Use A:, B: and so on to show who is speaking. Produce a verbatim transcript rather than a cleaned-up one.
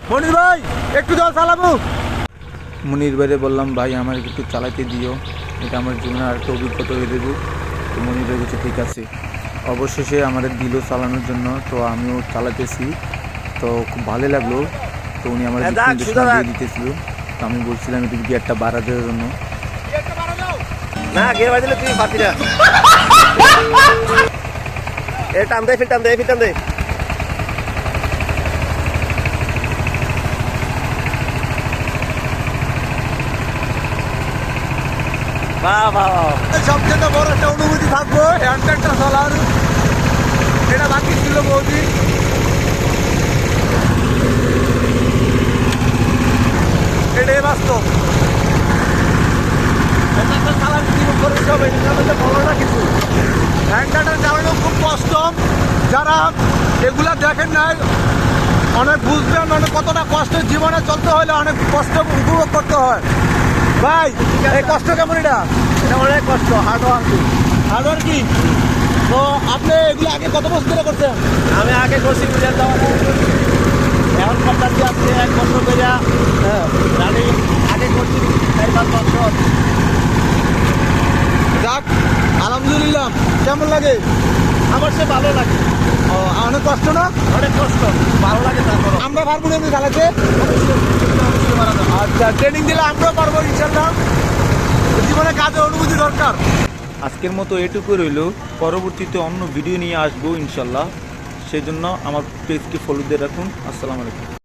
A: মনির ভাই একটু জল চালাবো।
B: মনির ভাইরে বললাম ভাই আমার একটু চালাতে দিও, এটা আমার জীবনে আরেকটা অভিজ্ঞতা হয়ে দেবো। তো মনির ভাই বলছে ঠিক আছে। অবশেষে আমাদের দিল চালানোর জন্য, তো আমিও চালাতেছি, তো খুব ভালো লাগলো। তো উনি আমার নির্দেশনা দিয়ে দিতেছিল, তো আমি বলছিলাম একটু গিয়ারটা বাড়া দেওয়ার জন্য।
A: না গিয়ে বাজিলে তুই পারবি না। এ টান দে ফির টান দে ফির টান দে। বাহ বাহ সবচেয়ে বড় একটা অনুভূতি থাকবো হ্যান্ডটা চলার, এটা বাকি ছিল বৌদি। এটাই বাস্তব। হ্যান্ডটা চালানো খুব কষ্ট, যারা এগুলা দেখেন নাই অনেক বুঝবেন, অনেক কতটা কষ্ট জীবনে চলতে হলে অনেক কষ্ট উপভোগ করতে হয়। ভাই এই কষ্ট কেমন? এটা এটা অনেক কষ্ট, হার্ড ওয়ার্ক। হার্ড ওয়ার্ক কি? তো আপনি এগুলো আগে কত বছর ধরে করছেন? আমি আগে করছি বুঝার দেওয়া, এখন করতে আসছে এক বছর ধরে। হ্যাঁ আমি আগে করছি চার পাঁচ বছর। যাক আলহামদুলিল্লাহ। কেমন লাগে? আমার সে ভালো লাগে। ও অনেক কষ্ট না? অনেক কষ্ট, ভালো লাগে। তারপর আমরা পারবো না চালাতে? আচ্ছা ট্রেনিং দিলে আমরাও পারবো ইনশাল্লাহ। জীবনে কাজে অনুভূতি দরকার।
B: আজকের মতো এটুকু রইল, পরবর্তীতে অন্য ভিডিও নিয়ে আসবো ইনশাল্লাহ। সেই জন্য আমার পেজকে ফলো দিয়ে রাখুন। আসসালামু আলাইকুম।